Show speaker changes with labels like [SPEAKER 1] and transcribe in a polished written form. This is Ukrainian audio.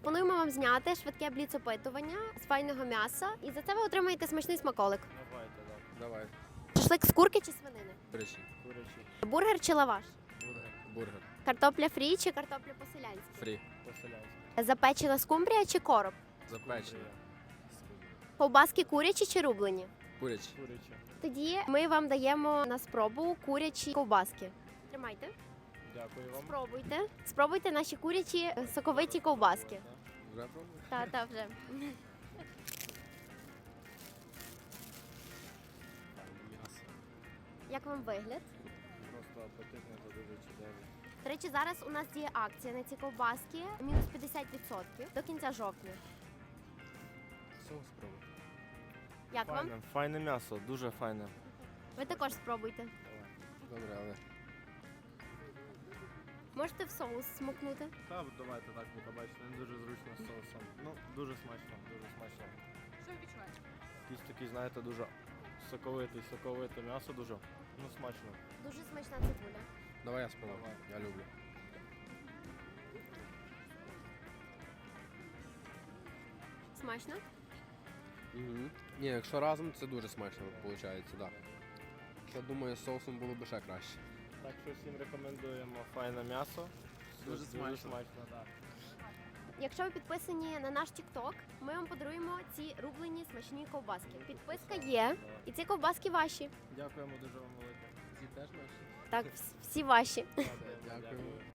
[SPEAKER 1] Пропонуємо вам зняти швидке бліц-опитування з файного м'яса. І за це ви отримаєте смачний смаколик.
[SPEAKER 2] Давайте, так.
[SPEAKER 3] Давай.
[SPEAKER 1] Шашлик з курки чи свинини?
[SPEAKER 3] Курячий.
[SPEAKER 2] Курячий.
[SPEAKER 1] Бургер чи лаваш?
[SPEAKER 2] Бургер.
[SPEAKER 3] Бургер.
[SPEAKER 1] Картопля фрі чи картопля по-селянськи?
[SPEAKER 3] Фрі.
[SPEAKER 2] По-селянськи.
[SPEAKER 1] Запечена скумбрія чи короб?
[SPEAKER 3] Запечений.
[SPEAKER 1] Ковбаски курячі чи рублені?
[SPEAKER 3] Курячий.
[SPEAKER 2] Курячий.
[SPEAKER 1] Тоді ми вам даємо на спробу курячі ковбаски. Тримайте.
[SPEAKER 2] Дякую вам.
[SPEAKER 1] Спробуйте. Спробуйте наші курячі соковиті ковбаски.
[SPEAKER 3] Вже пробуєш?
[SPEAKER 1] Та вже.
[SPEAKER 3] М'ясо.
[SPEAKER 1] Як вам вигляд?
[SPEAKER 2] Просто апетитно та дуже чудово.
[SPEAKER 1] До речі, зараз у нас діє акція на ці ковбаски. Мінус 50% до кінця жовтня.
[SPEAKER 3] Соус спробуй.
[SPEAKER 1] Як вам?
[SPEAKER 2] Файне, файне м'ясо, дуже файне.
[SPEAKER 1] Ви також спробуйте.
[SPEAKER 3] Добре, але
[SPEAKER 1] Можете в соус смокнути.
[SPEAKER 2] Та давайте так, бо побачите, не дуже зручно з соусом. Ну, дуже смачно, дуже смачно.
[SPEAKER 4] Що ви відчуваєте?
[SPEAKER 2] Якийсь такий, знаєте, дуже соковите м'ясо дуже. Ну, смачно.
[SPEAKER 1] Дуже смачна цибуля.
[SPEAKER 3] давай я спробую.
[SPEAKER 2] Давай.
[SPEAKER 3] Я люблю.
[SPEAKER 1] Смачно?
[SPEAKER 3] Угу. Ні, якщо разом, це дуже смачно виходить, так. Я думаю, з соусом було б ще краще.
[SPEAKER 2] Так що всім рекомендуємо файне м'ясо.
[SPEAKER 3] Дуже смачно.
[SPEAKER 2] смачно, так.
[SPEAKER 1] Якщо ви підписані на наш TikTok, ми вам подаруємо ці рублені смачні ковбаски. Підписка є, і ці ковбаски ваші.
[SPEAKER 2] Дякуємо дуже вам велике.
[SPEAKER 3] Ці теж наші?
[SPEAKER 1] Так, всі ваші.
[SPEAKER 3] Дякую.